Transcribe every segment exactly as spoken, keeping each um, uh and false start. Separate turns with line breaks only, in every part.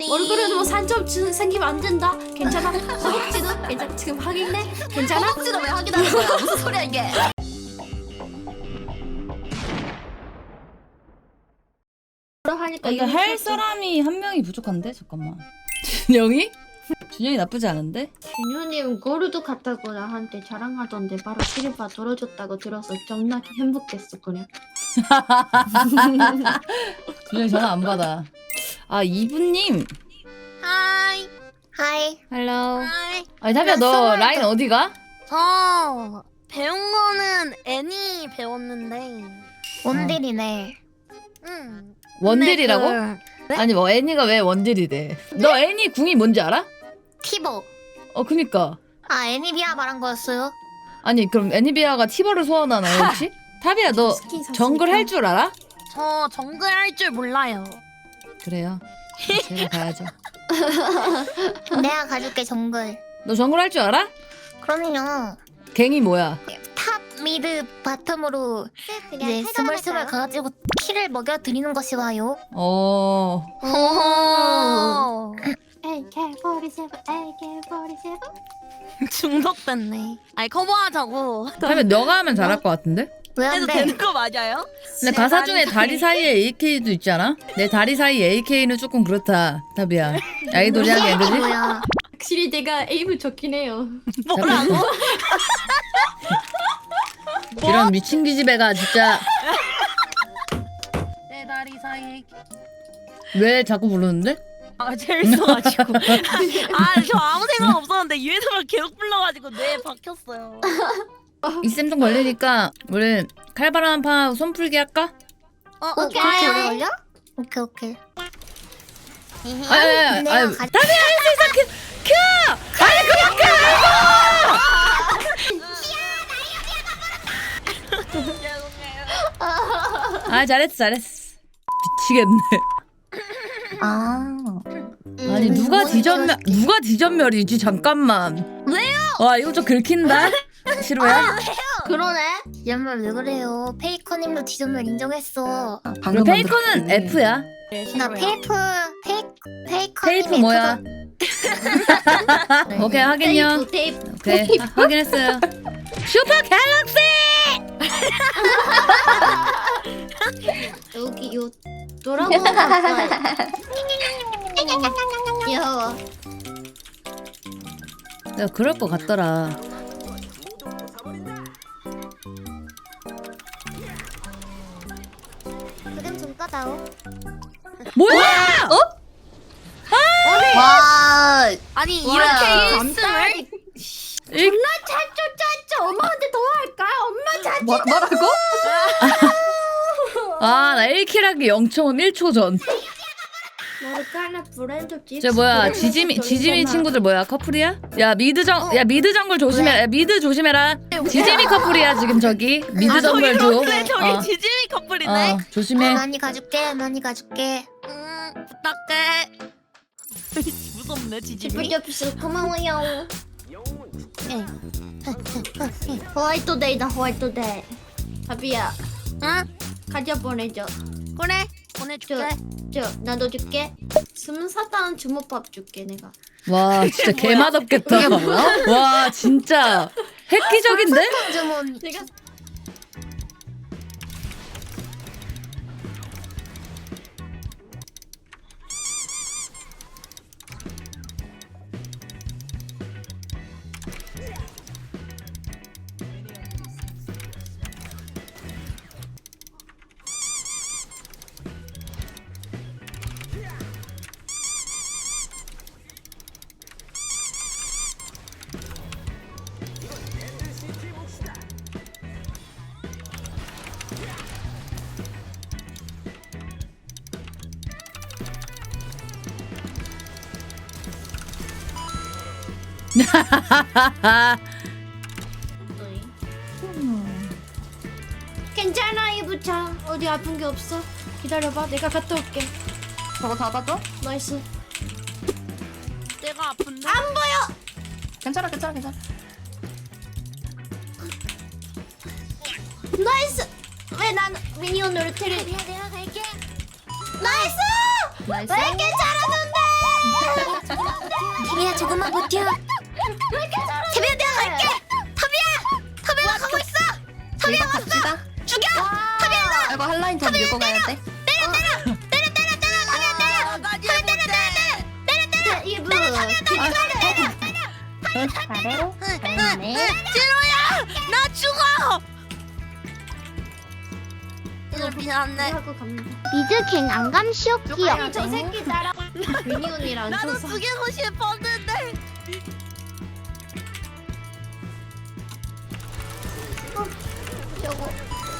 얼굴에도 뭐 산점 지- 생기면 안 된다. 괜찮아? 허벅지도 괜찮아. 지금 확인해? 괜찮아?
허벅지도 왜 확인하는 거야? 무슨 소리야 이게?
하니까
이거 할 사람이 한 명이 부족한데? 잠깐만. 준영이? 준영이 나쁘지 않은데?
준효님 고르도 갔다고 나한테 자랑하던데 바로 시리바 돌아줬다고 들어서 정말 행복했어 그냥.
준영이 전화 안 받아. 아 이분님.
하이. 하이.
헬로.
하이.
아니 타비야 너 라인 어디가?
저 배운 거는 애니 배웠는데
원딜이네.
응.
원딜이라고?
근데 그-
아니 뭐 애니가 왜 원딜이래? 너 애니 궁이 뭔지 알아?
티보.
어 그니까.
아 애니비아 말한 거였어요?
아니 그럼 애니비아가 티버를 소환하나요 혹시? 타비야 너
스킨 샀으니까.
정글 할 줄 알아?
저 정글 할 줄 몰라요.
그래요. 제가 가야죠.
내가 가줄게 정글.
너 정글 할 줄 알아?
그럼요.
갱이 뭐야?
탑, 미드, 바텀으로 이제 스멀스멀 가가지고 키를 먹여 드리는 것이 와요.
어.
오.
에이케이 사십칠, 에이케이 사십칠.
중독됐네. 아니 커버하자고.
타비야 너가 하면 잘할 것 같은데?
왜 안
해도
돼?
되는 거 맞아요?
근데 가사 중에 다리 사이에 에이케이도 있지 않아? 내 다리 사이 에이케이는 조금 그렇다 타비야. 아이돌이하게 그지?
뭐야?
확실히 내가 에임을 좋긴 해요.
뭐라고?
이런 미친 기집애가 진짜
내 다리 사이.
왜 자꾸 부르는데?
아 재밌어가지고. 아 저 아무 생각 없었는데 유해성을 계속 불러가지고 뇌에 박혔어요.
이쌤 좀 걸리니까 우리 칼바람 한 판 손풀기 할까?
어
오케이.
오케이.
오래 걸려? 오케이 오케이.
아야야야
내가
아유
가-
타비야 할 수 있어 큐! 큐! 아니
죄송해요.
아 잘했어 잘했어 미치겠네.
아.
아니 누가 디전멸 누가 디전멸이지 잠깐만. 왜요? 와 이거 좀 긁힌다. 싫어요?
그러네. 연말 왜 그래요? 페이커님도 디전멸 인정했어.
그리고 페이커는 F야.
나 페이프 페이 페이커님
페이프 뭐야? 오케이 확인요.
테이프 테이프.
오케이 하- 확인했어요. 슈퍼 갤럭시!
여기 요 돌아보는 거 없어요. 귀여워.
내가 그럴 것 같더라.
그림 좀 까다오.
뭐야? 어?
와.
아니
뭐야.
이렇게 일승을
이-
존나 찼죠 찼죠. 엄마한테 더 할까? 엄마 찼죠.
뭐, 뭐라고?
아, 나 일 킬 하기 영 점 일 초 전.
모르카나 브랜드 집.
저 뭐야? 지지미 지지미 친구들 뭐야? 커플이야? 야, 미드 정 야, 미드 정글 조심해. 야, 미드 조심해라. 지지미 커플이야, 지금 저기. 미드
아 저기
정글 조.
그래 저기
어.
지짐이 커플이네.
어, 조심해.
많이 가줄게. 많이 가줄게.
음 부탁해. 무섭네 지짐이.
집을 고마워요. 호화이트데이다 호화이트데이. 바비야
응?
가져 보내줘.
그래 보내줄게.
저 나도 줄게. 스무사단 주먹밥 줄게 내가.
와, 진짜 개 맛없겠다. 와, 진짜 획기적인데?
주문.
내가 괜찮아 이부차. 어디 아픈 게 없어. 기다려봐. 내가 갔다 올게.
저거 닫아줘?
나이스.
내가 아픈데.
안 보여.
괜찮아 괜찮아 괜찮아.
나이스. 왜 난 미니언으로 테리?
내가 내가 갈게.
나이스.
나이스.
왜 이렇게 잘하는데?
조금만 버텨. 태비야 내가 갈게. 터비야, 터비야 가고 있어. 터비야 왔어. 죽여. 터비야.
이거 한 라인 더 밀고 가야 돼.
이브.
아래로. 네.
지로야, 나 죽어. 이거 미안해.
하고 갑니다.
미드갱 안감 시오키요.
아니 저 새끼 나랑 괜히 언니랑
나도
저
죽이고 싶었는데.
저거.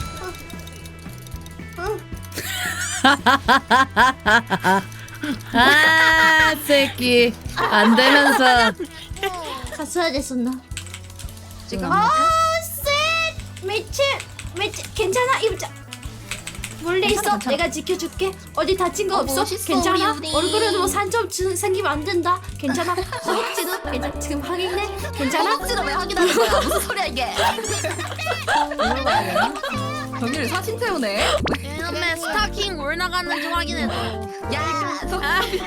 아 새끼 안 되면서
갔어야 됐었나?
지금
아, 쎄! 미친! 미친! 괜찮아? 입자! 몰래 있어?
괜찮아, 괜찮아.
내가 지켜줄게. 어디 다친 거
어,
없어?
멋있어,
괜찮아?
우리.
얼굴에 뭐 산점 주- 생기면 안 된다. 괜찮아? 허벅지도 괜찮 지금 확인해? 괜찮아?
허벅지를 왜 확인하는 거야? 무슨 소리야 이게? 경일 사진 태우네.
이놈의 스타킹 올 나가는지 확인해줘.
야, 저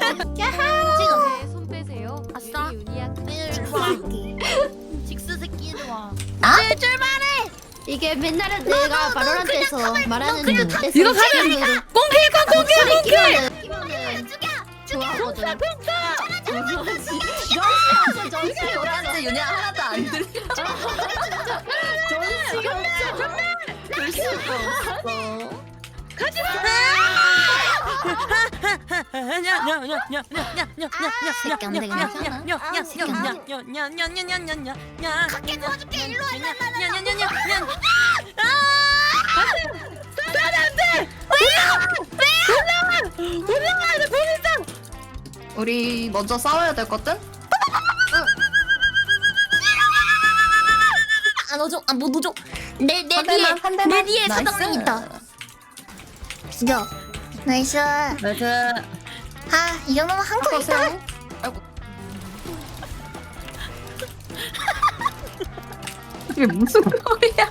지금
손 빼세요.
아싸. 일로 와. 직스 새끼 이리 와.
아?
네, 출발해.
이게 맨날에 내가 바로란트에서 말하는 데
이거 가면 꽁킬 꽁꽁킬 꽁킬
끼면은
죽여.
좋아하거든.
정시 정시 오라는데 윤희 하나도 안 들려.
전시가 없어.
들 수가 없어.
새끼 안 되겠네.
갈게 도와줄게. 일로 와.
우리 먼저 싸워야 될 것들?
아 너죠? 아못 너죠? 내내
한
뒤에
대만, 한 대만.
내 뒤에
나이스.
사장님 있다. 죽여. 나이스. 아
나이스
이 정도면 한 거 있다.
보세요. 아이고. 이게 무슨 소리야?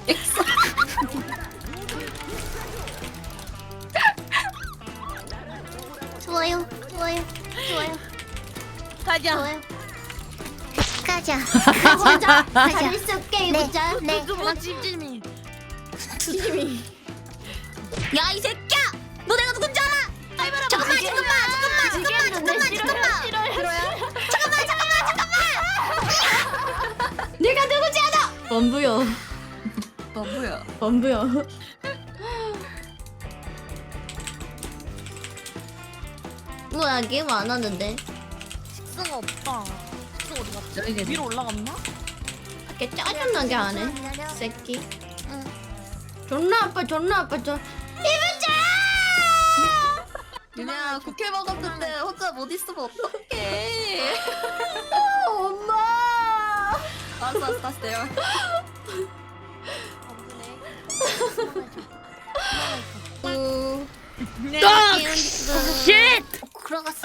좋아요. 좋아요. 좋아요.
가자.
좋아요.
가자.
보자.
가자.
잘 있을게
네.
보자.
네.
그만 찜찜이.
야 이 새끼야! 너 내가 누군지 알아? 잠깐만 잠깐만 잠깐만 잠깐만 잠깐만 잠깐만 잠깐만 잠깐만
내가 누구지 않아? 범부요.
너무야.
범부요. 뭐야 게임 안 하는데?
직스가 없다. 직스 어디 갔지?
저기 계네.
위로 올라갔나?
이렇게 짜증나게 하네. 새끼. 존나 아파 존나 아파 존.
윤희야 국회 먹었는데 혼자 못 있으면 어떡해?
엄마.
알았어 알았어 다시 내려.
우.
내가
쉣
들어갔어.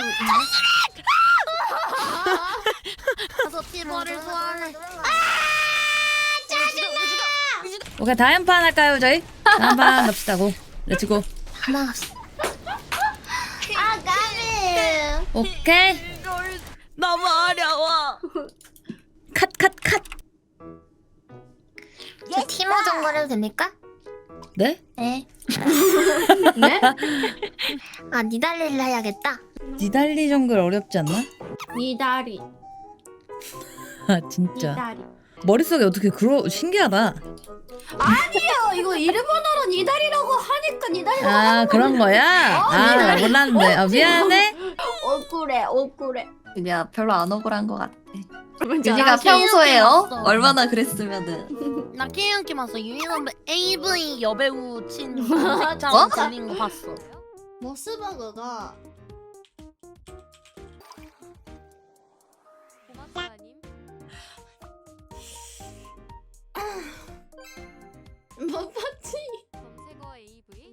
가서 티버를 소환해.
오케이 다음 판 할까요 저희? 다음 판 갑시다고 렛츠고
하나
아 까비.
오케이
너무 어려워.
컷 컷 컷
티모 정글 해도 됩니까?
네?
네.
네?
아 니달리를 해야겠다.
니달리 정글 어렵지 않나?
니다리.
아 진짜
니다리.
머릿속에 어떻게 그러 신기하다
아니요 이거 일본어로 니다리라고 하니까 니다리라고.
아 그런 거야? 아 나 몰랐는데 아 미안해
억울해 억울해.
윤희야 별로 안 억울한 것 같아.
뭔지
윤희가
알아?
평소에 어?
없어.
얼마나 그랬으면은.
나 게임 게임 봤어. 유인원 에이브이 여배우 친
어?
색장 걸린 거 봤어.
모스버거가 뭐 봤지?
검색어 에이브이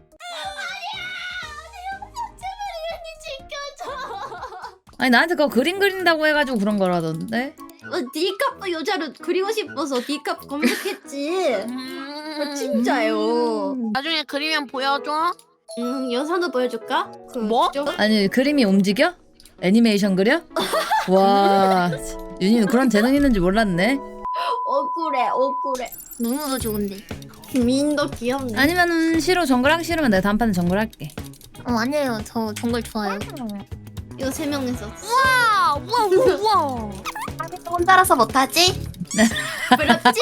지켜줘.
아니 나한테 그거 그림 그린다고 해가지고 그런 거라던데
어, 디캅도 여자를 그리고 싶어서 디캅 검색했지.
음...
진짜요.
나중에 그리면 보여줘.
음, 영상도 보여줄까? 그
뭐?
쪽-
아니 그림이 움직여? 애니메이션 그려? 와 윤희는 그런 재능 있는지 몰랐네.
억울해 억울해.
너무 좋은데.
민도 귀엽네.
아니면은 싫어 정글하기 싫으면 내가 다음판에 정글할게.
어 아니에요. 저 정글 좋아요.
이거 세 명이서.
아, 우와 우와 우와.
혼자라서 못하지?
부럽지?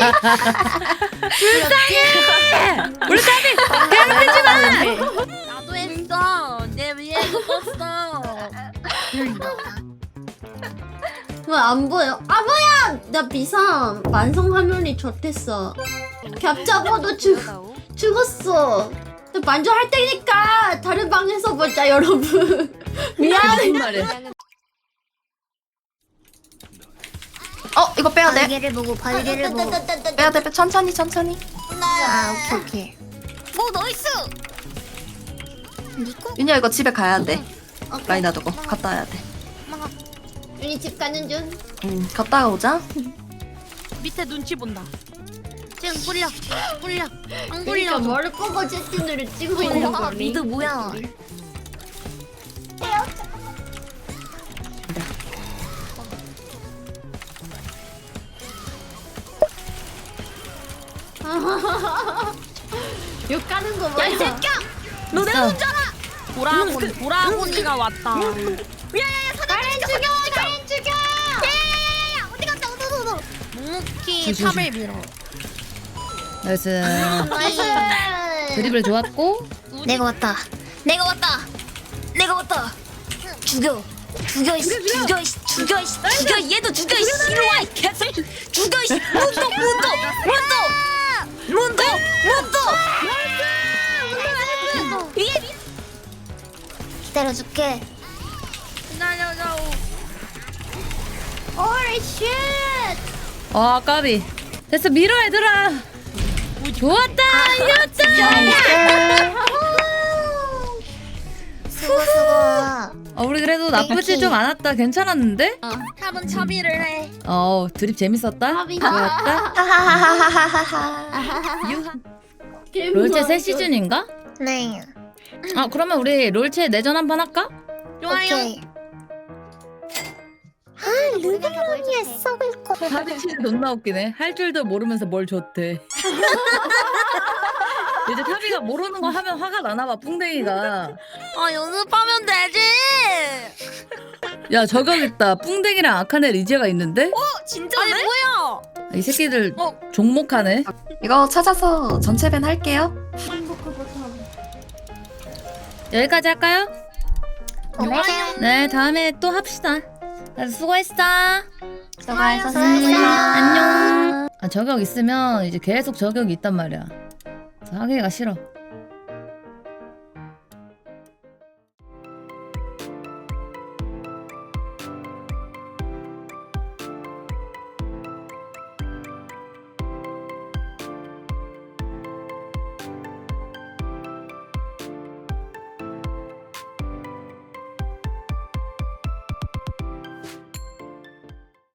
물감이 괴롭히지 마.
나도 했어. 내 위에 떴어.
왜 안 보여? 아 뭐야! 나 비상 완성 화면이 좋댔어. 겹 잡아도 죽 죽었어. 나 만져 할 테니까 다른 방에서 보자 여러분. 미안해.
무슨 말이야?
어 이거 빼야 돼.
발개를 보고 발개를 보고.
빼야 돼. 빼. 천천히 천천히.
아 오케이 오케이. 뭐 나이스. 니코?
윤희야 이거 집에 가야 돼.
오케이.
라인 놔두고 갔다 와야 돼.
우리 집 가는 중.
응 갔다가 오자.
밑에 눈치 본다. 지금 뿔려 뿔려 안
그러니까
뿔려.
머리 끄고 채팅으로 찍고 있는
아
거니.
미드 뭐야?
욕 가는 거 뭐야?
너 내가 혼자라. 보라곤 보라곤이가 왔다.
가렌 죽여! 가렌 죽여!
어디 갔다 어디 갔다 어디.
묵묵히
조심,
탑을 밀어.
나이스.
나이스.
드리블 좋았고.
내가 왔다. 내가 왔다. 내가 왔다. 죽여. 죽여 이 죽여 이 죽여 이 죽여 얘도 죽여 이 이리 와이 개새끼. 죽여 이 문도 문도 문도 문도 문도. 이게 기다려줄게.
기다려줘.
오리 쉣!
아 까비. 됐어 밀어 얘들아. 좋았다 이겼다.
수고 수고.
어, 우리 그래도 나쁘지 좀 않았다. 괜찮았는데?
탑은 차비를 해.
어 드립 재밌었다.
합이다.
좋았다.
하하하하하하.
롤체 새 시즌인가?
네.
아 그러면 우리 롤체 내전 한번 할까?
좋아요.
오케이. 아 르블론이에 썩을 거.
타비치는 존나 웃기네. 할 줄도 모르면서 뭘 줬대. 이제 타비가 모르는 거 하면 화가 나나봐 뿡댕이가.
아 연습하면 되지.
야 저격 있다. 뿡댕이랑 아카네 리제가 있는데?
진짜네? 아니 뭐야?
이 새끼들
어.
종목하네.
이거 찾아서 전체 밴 할게요.
여기까지 할까요?
오케이.
네 다음에 또 합시다. 다들 수고했어.
수고하셨습니다.
안녕. 아 저격 있으면 이제 계속 저격이 있단 말이야. 그래서 하기가 싫어.